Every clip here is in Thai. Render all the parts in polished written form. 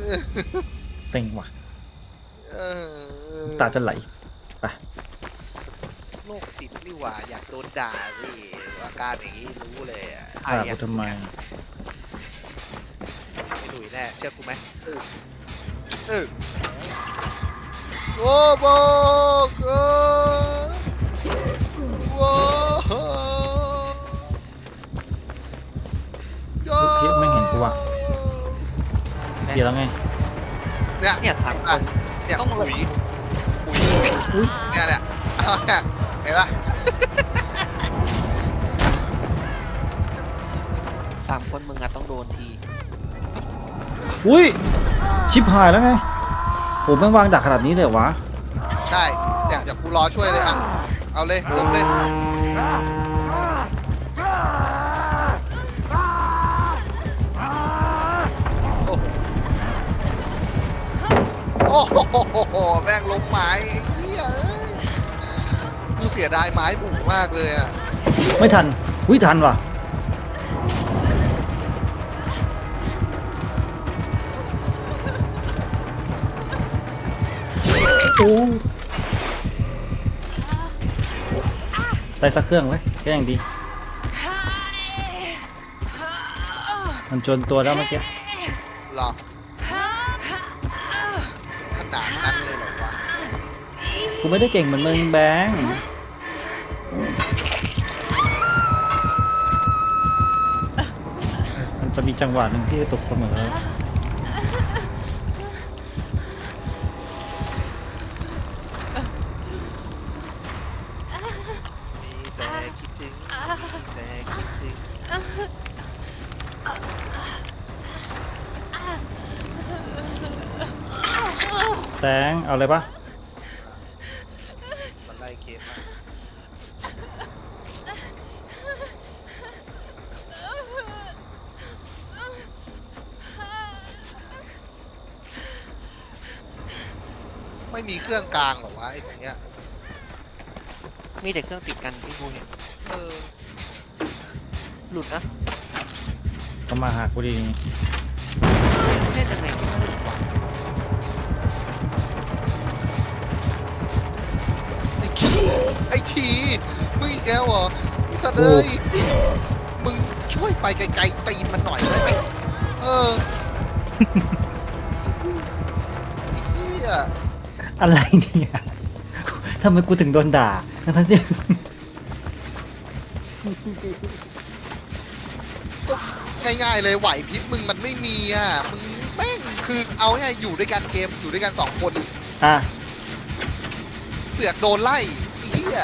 เต็งว่ะเออตาจะไหลไปโรคจิตนี่หว่าอยากโดนด่าสิอาการอย่างนี้รู้เลยอ่ะด่ากูทำไมไม่ดุยแน่เชื่อกูไหมโอ้โบกโว้เทียบไม่เห็นกูว่ะเดี๋ยวแล้วไงเนี่ยถามคนเนี่ยต้องปุ๋ยเนี่ยเห็นปะ 3 คนมึงอะต้องโดนทีอุ้ยชิบหายแล้วไงโหแม่งวางดักขนาดนี้เลยวะใช่เนี่ยจากกูรอช่วยเลยอ่ะเอาเลยลงเลยโอ้โหแม่งล้มไม้เฮียกูเสียดายไม้บุกมากเลยอ่ะไม่ทันอุ้ยทันว่ะโอ้ได้สักเครื่องเลยก็ยังดีมันจนตัวแล้วเมื่อกี้หรอขนาดนั้นเลยเหรอวะกูไม่ได้เก่งเหมือนมึงแบงค์มันจะมีจังหวะหนึ่งที่ตกเสมอมีแต่คิดถึงมีแต่คิดถึงแตงเอาเลยปะมันไล่เกมมาไม่มีเครื่องกลางเหรอวะไอ้ตรงเนี้ยมีแต่เครื่องติดกันที่กูเห็นเออหลุดนะก็มาหากูดีเล่นยังไงก็ไม่หลุดว่ะไอ้ทีมึงอีกแล้วเหรอไอ้สัตว์เลยมึงช่วยไปไกลๆตีนมันหน่อยได้ไหมเออไอ้เหี้ยอะไรเนี่ยทำไมกูถึงโดนด่าทั้งที่ง่ายๆเลยไหวพริบมึงมันไม่มีอ่ะมึงแม่งคือเอาง่ายๆอยู่ด้วยกันเกมอยู่ด้วยกัน2 คนอ่ะเสือกโดนไล่ไอ้เหี้ย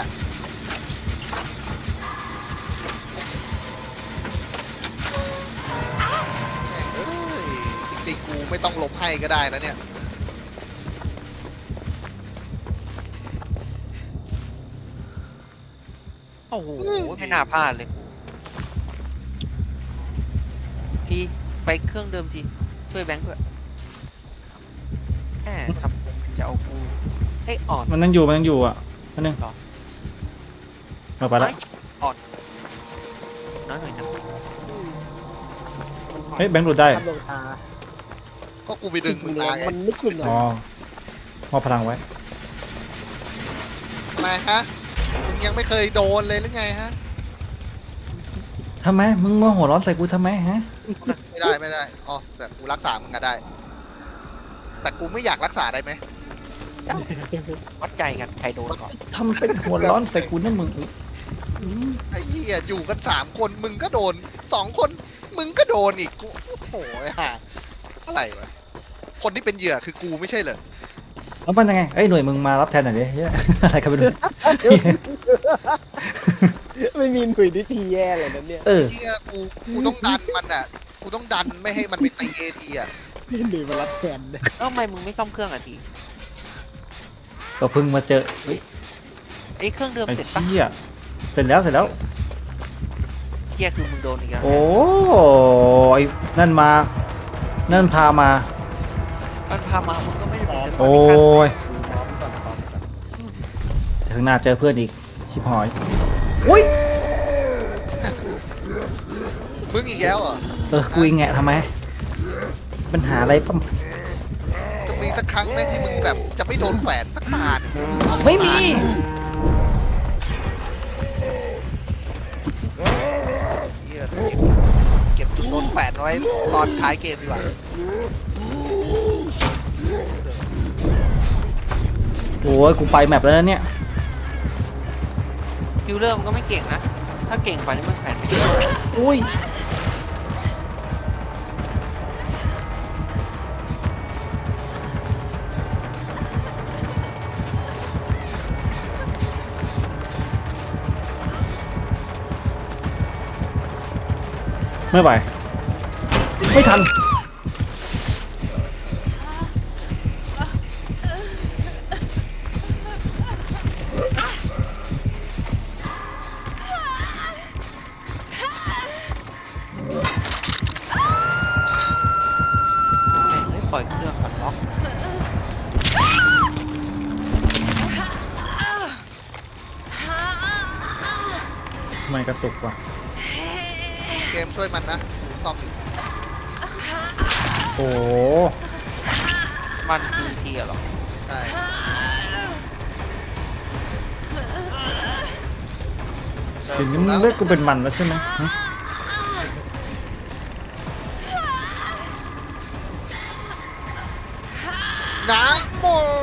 แม่งเอ้ยจริงๆกูไม่ต้องล้มให้ก็ได้นะเนี่ยโอ้โหไม่น่าพลาดเลยกูทีไปเครื่องเดิมทีช่วยแบงค์ด้วยแหมทำจะเอากูให้อ่อนมันยังอยู่อ่ะนั่นนึงหรอมาไปละอ่อนน้อยหน่อยนะเฮ้ยแบงค์หลุดได้ทำลงตาก็กูไปดึงมึงมาไงมันไม่กินหรอ๋ออมอบพลังไว้ทำไมฮะมึงยังไม่เคยโดนเลยหรือไงฮะทำไมมึงมาหัวร้อนใส่กูทำไมฮะไม่ได้อ๋อแต่กูรักษามึงก็ได้ แต่กูไม่อยากรักษาได้ไหมวัดใจกันใครโดนก่อนทำเป็นหัวร้อนใส่กูนะมึงไอ้เหี้ยอยู่กัน3 คนมึงก็โดน2 คนมึงก็โดนอีกกูโอ้โหห่าอะไรวะคนที่เป็นเหยื่อคือกูไม่ใช่เหรอแล้วมันยังไงเอ้ยหน่วยมึงมารับแทนหน่อยดิเฮ้ยอะไรกันไปดูไม่มีหนุ่ยที่ทีแย่เลยนะเนี่ยเออไอ้เหี้ยกูต้องดันมันอ่ะกูต้องดันไม่ให้มันไปตีเอทีอ่ะหนุ่ยมารับแทนเนี่ยเอ้าทำไมมึงไม่ซ่อมเครื่องอ่ะทีก็เพิ่งมาเจอเฮ้ยไอ้เครื่องเดิมไอ้เสร็จปะเชี่ยเสร็จแล้วเชี่ยคือมึงโดนอีกแล้วโอ้ยนั่นมา นั่นพามามันพามามึงก็ไม่ได้เป็นจะต้โอ้องยเดี๋ยวข้างหน้าเจอเพื่อนอีก ชิบหอยอุ้ยมึงอีกแล้วเหรอกูอีกแงะทำไม ปัญหาอะไรปั๊มสักครั้งไหมที่มึงแบบจะไม่โดนแขวนสักตาหนึ่งไม่มีเหี้ยเก็บจุดโดนแขวนไว้ตอนท้ายเกมดีกว่าโอ้ยกูไปแมปแล้วนะเนี่ยคิวเลอร์มันก็ไม่เก่งนะ ถ้าเก่งกว่านี้มันแขวนไม่ได้อุ้ยไม่ไหวไม่ทันเฮ้ยปล่อยเครื่องก่อนล็อกไม่กระตุกว่ะเกมช่วยมันนะกูซ่อมอยู่โอ้โหมันคือทีเหรอใช่เจอถึงนี้กูมึแล้งวเลือกกูเป็นมันแล้วใช่ไหมฮะน้ำโม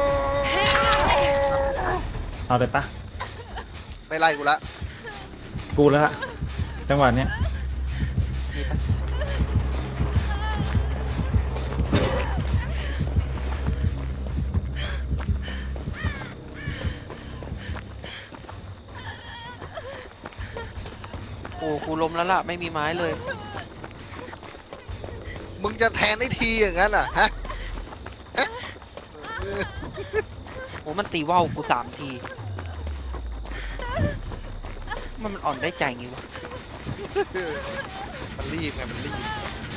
เอาเลยปะไม่ไล่กูละกูแล้วละจังหวะเนี้ยมีปะโอ้กูล้มแล้วล่ะ ไม่มีไม้เลยมึงจะแทนได้ทีอย่างนั้นเหรอฮะฮะเออโอ้มันตีว่าวกู3 ที มันอ่อนได้ใจงี้วะมันรีบไงมันรีบ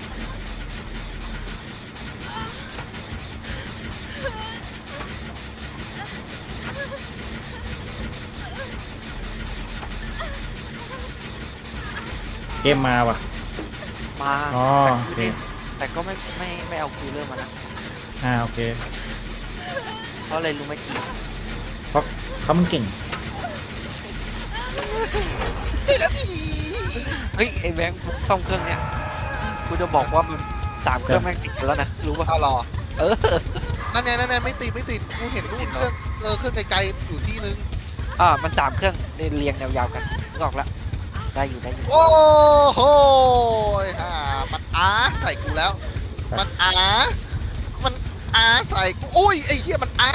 เกมมาว่ะมาอ๋อแต่โอเคแต่ก็ไม่เอาคิวเลอร์มานะโอเคเพราะอะไรรู้ไหมกี่เพราะเขามันเก่งเจ๊แล้วพี่เฮ้ย ไอ้แบงค์ซ่อมเครื่องเนี้ยกูจะบอกว่ามัน3 เครื่องแม่งติดกันแล้วนะ รู้ป่ะเอาหรอเออนั่นไงไม่ติดกูเห็นนู่นเครื่องเครื่องไกลๆอยู่ที่นึงมัน3 เครื่องเรียงยาวๆกันนึกออกละได้อยู่โอ้โหฮ่ามันใส่กูแล้ว มันใส่กูโอ้ยไอ้เหี้ยมันน่ะ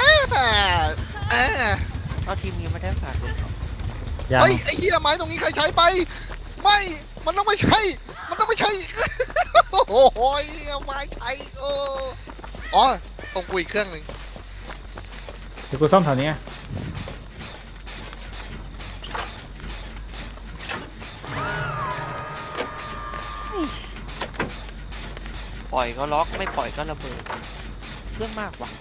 เอาทีมนี้ไม่ได้สาดเลยยังเฮ้ยไอ้เหี้ยไม้ตรงนี้ใครใช้ไป ไม่ มันต้องไม่ใช่ มันต้องไม่ใช่ โอ้โหไม้ใช้อ๋อตรงกูอีกเครื่องหนึ่งเดี๋ยวกูซ่อมแถวนี้ไงปล่อยก็ล็อกไม่ปล่อยก็ระเบิดเรื่องมากว่ะ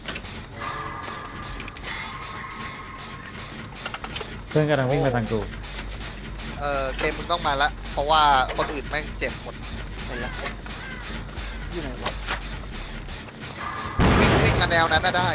เพื่อนกำลังวิ่งมาทางกูเกมมึงต้องมาละ เพราะว่าคนอื่นแม่งเจ็บหมดไปละอยู่ไหนวะวิ่งมาแนวนั้นน่ะได้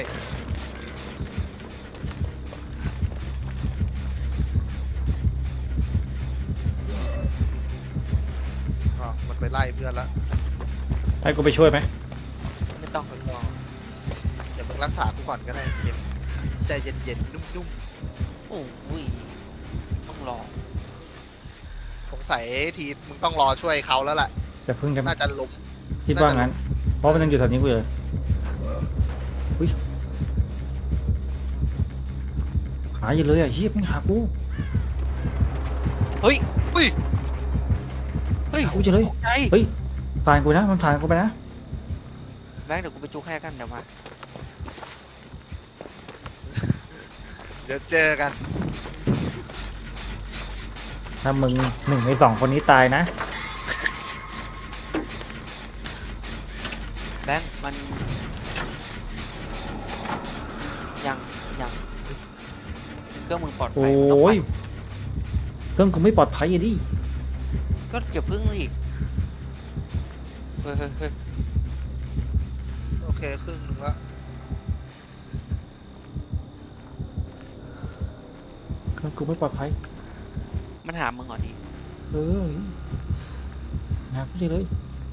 มันไปไล่เพื่อนละให้กูไปช่วยไหมไม่ต้องมันก็เดี๋ยวมึงรักษากูก่อนก็ได้เย็นใจเย็นๆนุ่มโอ้ยต้องรอๆสงสัยทีมึงต้องรอช่วยเขาแล้วล่ะแต่เพิ่งกันน่าจะล้มคิดว่างั้น เพราะมันยังอยู่แถวนี้กูเลยอุ้ยหาอยู่เลยอ่ะเฮียไม่หากูเฮ้ยอุ้ยเฮ้ยหากูจะเลยตกใจเฮ้ยผ่านกูนะมันผ่านกูไปนะแบงค์เดี๋ยวกูไปจุกให้กันเดี๋ยวมาเดี๋ยวเจอกันถ้ามึง1 ใน 2คนนี้ตายนะแบงค์มันยังเครื่องมึงปลอดภัโอ้ยมันต้องไปยเครื่องกูไม่ปลอดภัยอะดิก็เก็บพึ่งดิเฮ้ยโอเคครึ่งหนึงละกูไม่ปลอดภัยมันหามึงเหรอทีเออหากูเจอเลย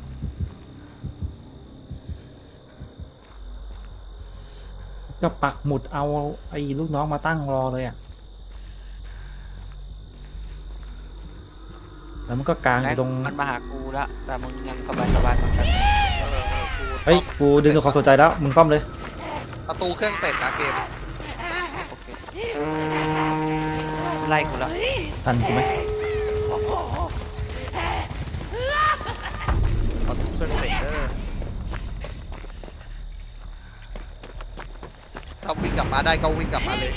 ก็ปักหมุดเอาไอ้ลูกน้องมาตั้งรอเลยอ่ะแล้วมันก็กางอยู่ตรงมันมาหากูละแต่มึงยังสบายของฉันกูเฮ้ยกูดึงดูความสนใจแล้วมึงซ่อมเลยประตูเครื่องเสร็จนะเกมโอเคไล่กูละทันกูไหมประตูเครื่องเสร็จถ้าวิ่งกลับมาได้ก็วิ่งกลับมาเลย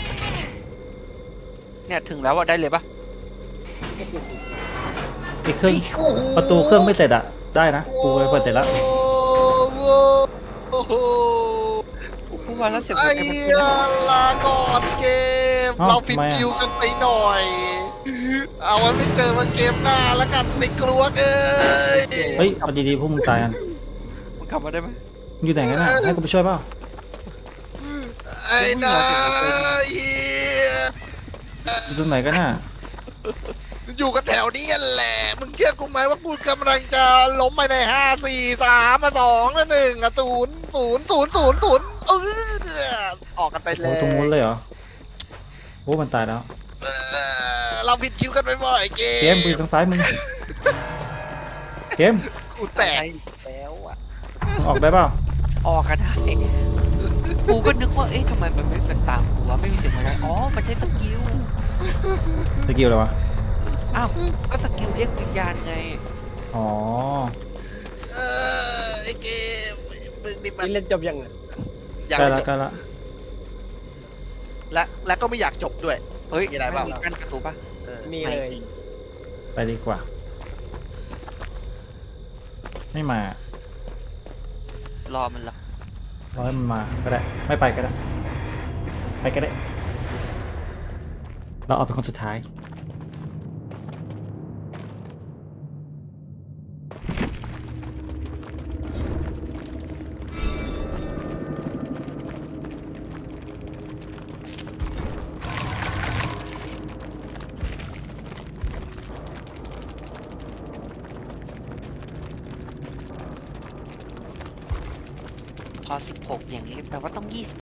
เนี่ยถึงแล้วอะได้เลยปะไอ้เครื่องโอ้โหประตูเครื่องไม่เสร็จอ่ะได้นะกูไปเปิดเสร็จแล้วโอ้โหกูมาแล้วเสร็จไอ้มันเหี้ยลาก่อนเกมอ้าวเราผิดทำไมอะคิวกันไปหน่อย เอาไว้ไม่เจอมาเกมหน้าแล้วกันในกลัวเอ้ยเฮ้ยเอาดีๆพวกมึงตายกันมึงกลับมาได้ไหมมึงอยู่ไหนกันน่ะให้กูไปช่วยเปล่าไอ้นายเหี้ยอยู่ตรงไหนกันน่ะอยู่กันแถวนี้แหละ มึงเชื่อกูไหมว่ากูกำลังจะล้มไปใน5 4 3 2 1 0 0 0 0 0 ออกกันไปโอ้แล้โหวตรงนู้นเลยเหรอโอ้มันตายแล้วเราผิดคิวกันไปบ่อยเกเกมปืนทางซ้ายมึงเกมกูแตกแล้วอ่ะมึงออกได้เปล่าออกกันได้กูก็นึกว่าเอ๊ะทำไมมันไม่เป็นตามกูวะไม่มีเสียงอะไรอ๋อมันใช้สกิลสกิลอะไรวะอ้าวก็สกิลเรียกวิญญาณไงอ๋อไอ้เกมมึงนี่มันนี่เล่นจบยังอ่ะอยากใกล้ไม่ละจบใกล้ละและก็ไม่อยากจบด้วยเฮ้ยมีอะไรเปล่ามีกั้นประตูปะมีเลยไปดีกว่า ไม่มารอมันละรอให้มันมาก็ได้ไม่ไปก็ได้ไปก็ได้เราเอาเป็นคนสุดท้ายพอ16อย่างนี้แปลว่าต้อง20